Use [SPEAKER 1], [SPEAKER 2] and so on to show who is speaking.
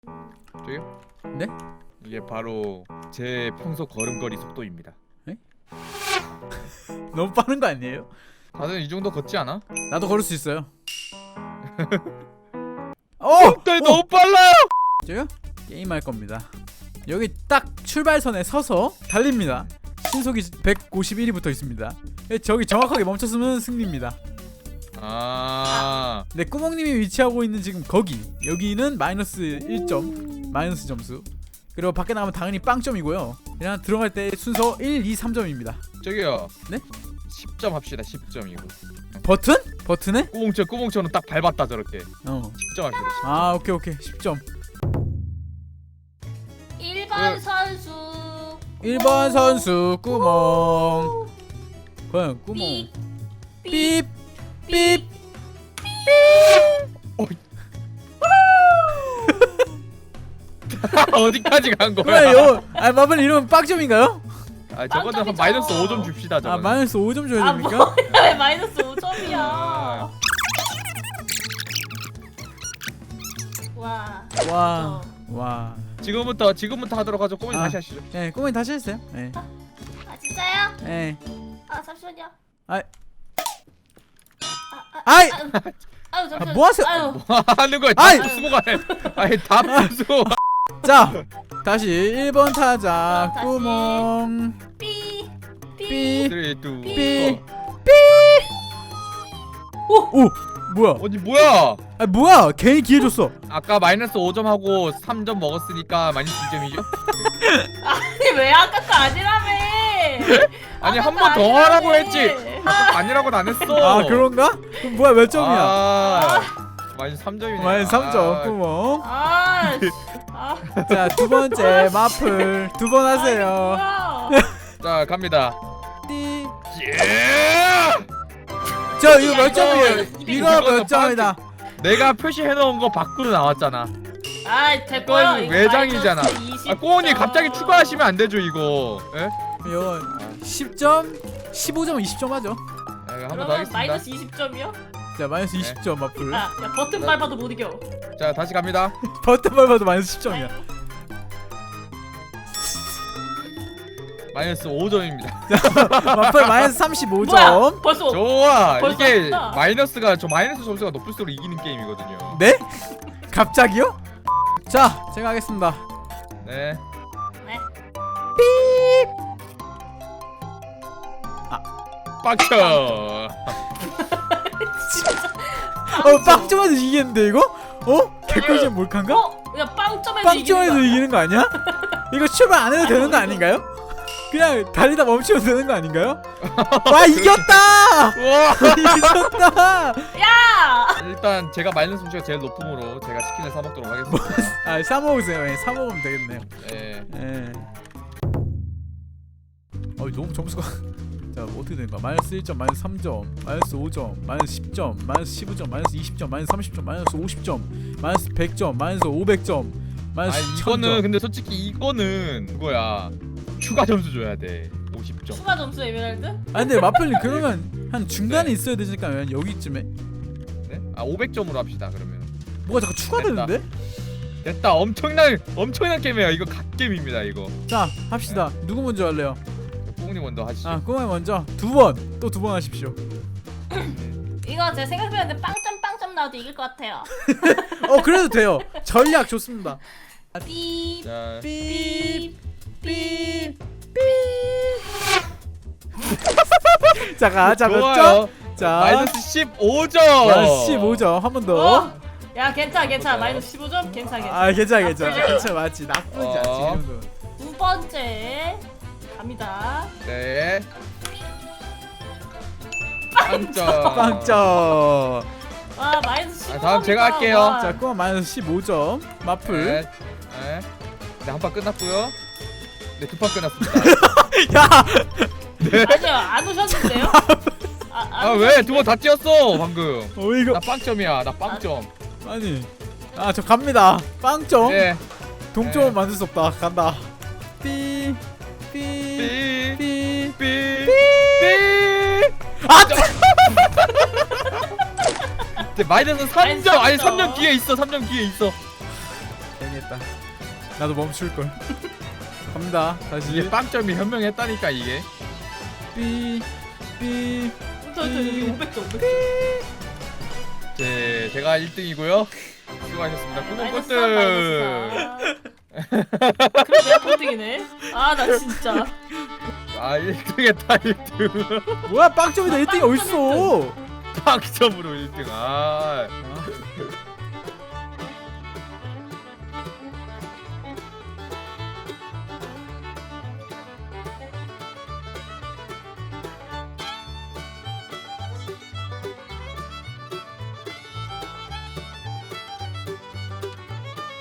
[SPEAKER 1] 저기요?
[SPEAKER 2] 네?
[SPEAKER 1] 이게 바로 제 평소 걸음걸이 속도입니다.
[SPEAKER 2] 너무 빠른 거 아니에요?
[SPEAKER 1] 다들 이 정도 걷지 않아?
[SPEAKER 2] 나도 걸을 수 있어요.
[SPEAKER 1] 너무 빨라요!
[SPEAKER 2] 저요? 게임할 겁니다. 여기 딱 출발선에 서서 달립니다. 신속이 151이 붙어 있습니다. 저기 정확하게 멈췄으면 승리입니다.
[SPEAKER 1] 아,
[SPEAKER 2] 네, 꾸멍님이 위치하고 있는 지금 거기, 여기는 마이너스 1점, 마이너스 점수. 그리고 밖에 나가면 당연히 빵점이고요. 그냥 들어갈 때 순서 1, 2, 3점입니다.
[SPEAKER 1] 저기요.
[SPEAKER 2] 네?
[SPEAKER 1] 10점 합시다. 10점 이거.
[SPEAKER 2] 버튼? 버튼에?
[SPEAKER 1] 꾸봉처럼 딱 밟았다 저렇게.
[SPEAKER 2] 10점
[SPEAKER 1] 합시다.
[SPEAKER 2] 아, 오케이 10점.
[SPEAKER 3] 1번 선수
[SPEAKER 2] 1번 선수 꾸멍. 과연 꾸멍. 삐 삐.
[SPEAKER 1] 어디까지 간 거야?
[SPEAKER 2] 그래요. 아, 마블 이러면 빵점인가요?
[SPEAKER 1] 아, 저거는 한
[SPEAKER 3] 빵점이죠.
[SPEAKER 1] 마이너스 5점 줍시다.
[SPEAKER 2] 아,
[SPEAKER 1] 저거는.
[SPEAKER 2] 마이너스 5점 줘야
[SPEAKER 3] 아
[SPEAKER 2] 됩니까?
[SPEAKER 3] 뭐야 왜 마이너스 5점이야 와
[SPEAKER 2] 와.
[SPEAKER 1] 지금부터 하도록 하죠. 꼬미
[SPEAKER 2] 아.
[SPEAKER 1] 다시 하시죠.
[SPEAKER 2] 네, 꾸멍이 다시 했어요. 네.
[SPEAKER 3] 아 진짜요?
[SPEAKER 2] 네.
[SPEAKER 3] 아 잠시만요
[SPEAKER 2] 아이.
[SPEAKER 3] 아유
[SPEAKER 2] 아,
[SPEAKER 3] 잠시만요
[SPEAKER 2] 뭐 하세요?
[SPEAKER 3] 아유
[SPEAKER 1] 뭐 하는 거야?
[SPEAKER 2] 아이!
[SPEAKER 1] 다 부수고 가네. 아니 다 부수.
[SPEAKER 2] 자, 다시 1번 타자
[SPEAKER 3] 다시.
[SPEAKER 2] 꾸멍.
[SPEAKER 3] 삐
[SPEAKER 2] 삐.
[SPEAKER 1] 3, 2,
[SPEAKER 2] 삐.
[SPEAKER 1] 1.
[SPEAKER 2] 오, 뭐야?
[SPEAKER 1] 어디 뭐야?
[SPEAKER 2] 아, 뭐야? 괜히 기회 줬어.
[SPEAKER 1] 아까 마이너스 5점 하고 3점 먹었으니까 마이너스 2점이죠?
[SPEAKER 3] 아니 왜 아까 거 아니라며
[SPEAKER 1] 아니
[SPEAKER 3] 아까
[SPEAKER 1] 한
[SPEAKER 3] 거
[SPEAKER 1] 번 더 하라고
[SPEAKER 3] 아니라며.
[SPEAKER 1] 했지. 아니라고는 안 했어.
[SPEAKER 2] 아, 그런가? 그럼 뭐야? 몇 점이야?
[SPEAKER 1] 아, 마이너스 3점이네.
[SPEAKER 2] 마이너스 3점 꾸멍.
[SPEAKER 3] 아
[SPEAKER 2] 자, 두 번째 마플 두 번 하세요.
[SPEAKER 3] 뭐야
[SPEAKER 1] 자 갑니다.
[SPEAKER 2] 띠.
[SPEAKER 1] 예!
[SPEAKER 2] 저 이거 몇
[SPEAKER 3] 이거
[SPEAKER 2] 점이에요?
[SPEAKER 3] 이거
[SPEAKER 2] 이거 몇
[SPEAKER 1] 이거는
[SPEAKER 2] 점이다?
[SPEAKER 1] 내가 표시해놓은 거 밖으로 나왔잖아.
[SPEAKER 3] 아 됐고요
[SPEAKER 1] 이건 외장이잖아. 아 꼬은이 갑자기 추가하시면 안 되죠 이거. 예?
[SPEAKER 2] 이거 10점, 15점, 20점 하죠.
[SPEAKER 1] 아, 이거 한번 더
[SPEAKER 3] 그러면
[SPEAKER 1] 하겠습니다.
[SPEAKER 3] 마이너스 20점이요?
[SPEAKER 2] 자, 마이너스 20점 마플.
[SPEAKER 3] 야 버튼 밟아도 못 이겨
[SPEAKER 1] 자 다시 갑니다.
[SPEAKER 2] 버튼 밟아도 마이너스 10점이야.
[SPEAKER 1] 마이너스 5점입니다.
[SPEAKER 2] 마플 마이너스 35점.
[SPEAKER 3] 뭐야 벌써
[SPEAKER 1] 좋아.
[SPEAKER 3] 벌써
[SPEAKER 1] 이게
[SPEAKER 3] 왔다.
[SPEAKER 1] 마이너스 점수가 높을수록 이기는 게임이거든요.
[SPEAKER 2] 네? 갑자기요? 자, 제가 하겠습니다.
[SPEAKER 1] 네.
[SPEAKER 3] 네.
[SPEAKER 1] 빡쳐.
[SPEAKER 2] 빵점에서 이기겠는데 이거? 개꿀잼 몰칸가?
[SPEAKER 3] 야 빵점에서
[SPEAKER 2] 빵점에서 이기는 거 아니야? 이거 출발 안 해도 되는 거 아닌가요? 그냥 달리다 멈추면 되는 거 아닌가요? 와, 이겼다!
[SPEAKER 1] 와.
[SPEAKER 2] 이겼다!
[SPEAKER 3] 야
[SPEAKER 1] 일단 제가 마이너스 점수가 제일 높음으로 제가 치킨을 사 먹도록 하겠습니다.
[SPEAKER 2] 아, 사 먹으세요. 예, 사 먹으면 되겠네요.
[SPEAKER 1] 네.
[SPEAKER 2] 예. 너무 점수가 자, 어떻게 되는 거야? 마이너스 1점, 마이너스 3점, 마이너스 5점, 마이너스 10점, 마이너스 15점, 마이너스 20점, 마이너스 30점, 마이너스 50점, 마이너스 100점, 마이너스 500점, 마이너스
[SPEAKER 1] 아니
[SPEAKER 2] 1000점.
[SPEAKER 1] 이거는 근데 솔직히 이거는 그거야. 추가 점수 줘야 돼. 50점.
[SPEAKER 3] 추가 점수 에메랄드?
[SPEAKER 2] 아, 근데 마플님 그러면 한 중간에
[SPEAKER 1] 네.
[SPEAKER 2] 있어야 되니까 왜 여기쯤에?
[SPEAKER 1] 네? 아 500점으로 합시다. 그러면.
[SPEAKER 2] 뭐가 자꾸 추가되는데?
[SPEAKER 1] 됐다. 엄청난 게임이에요. 이거 갓게임입니다. 이거.
[SPEAKER 2] 자, 합시다. 누구 먼저 할래요?
[SPEAKER 1] 뽕님 먼저 하시죠.
[SPEAKER 2] 아, 꼬마이 먼저. 두 번. 또 두 번 하십시오.
[SPEAKER 3] 이거 제가 생각해봤는데 빵점 나와도 이길 것 같아요
[SPEAKER 2] 그래도 돼요. 전략 좋습니다.
[SPEAKER 3] 삐
[SPEAKER 1] 자,
[SPEAKER 2] 삐.
[SPEAKER 3] 삐.
[SPEAKER 2] 자, 몇 점?
[SPEAKER 1] 좋아요.
[SPEAKER 2] 자,
[SPEAKER 1] 마이너스 15점.
[SPEAKER 2] 마이너스 15점. 한 번 더.
[SPEAKER 3] 야 괜찮아 마이너스 15점 괜찮아
[SPEAKER 2] 아, 괜찮아.
[SPEAKER 3] 나쁘지
[SPEAKER 2] 괜찮아. 맞지. 나쁘지 않지. 이 정도.
[SPEAKER 3] 두 번째 갑니다
[SPEAKER 1] 네. 빵점.
[SPEAKER 2] 빵점.
[SPEAKER 3] 와 마이너스 15점
[SPEAKER 1] 다음 제가 할게요.
[SPEAKER 2] 자, 꼬마 마이너스 15점. 마플.
[SPEAKER 1] 네. 네. 네, 한 판 끝났고요. 네, 두 판 끝났습니다.
[SPEAKER 2] 야,
[SPEAKER 3] 아니요 안 오셨는데요?
[SPEAKER 1] 아, 왜? 두 번 다 뛰었어, 방금.
[SPEAKER 2] 이거
[SPEAKER 1] 나 빵점이야. 나 빵점.
[SPEAKER 2] 아니. 아, 저 갑니다. 빵점.
[SPEAKER 1] 네.
[SPEAKER 2] 동점은
[SPEAKER 1] 네.
[SPEAKER 2] 만들 수 없다. 간다. 삐. 삐.
[SPEAKER 1] 삐.
[SPEAKER 2] 삐.
[SPEAKER 1] 삐.
[SPEAKER 2] 삐.
[SPEAKER 1] 아! 이제 마이너스 3점. 아니, 3점 뒤에 있어. 3점 뒤에 있어.
[SPEAKER 2] 괜히 했다. 나도 멈출 걸. 갑니다. 다시.
[SPEAKER 1] 이게 빵점이 현명했다니까 이게.
[SPEAKER 2] 삐.
[SPEAKER 3] 저 여기 500점.
[SPEAKER 1] 제가 1등이고요. 수고하셨습니다. 꾸벅
[SPEAKER 3] 마이너스
[SPEAKER 1] 꼴등.
[SPEAKER 3] 3, 마이너스 4. 그래 내가 꼴등이네. 아 나 진짜.
[SPEAKER 1] 아 1등했다 1등.
[SPEAKER 2] 뭐야 빵점이다 1등이 어딨어?
[SPEAKER 1] 빵점으로 1등. 아.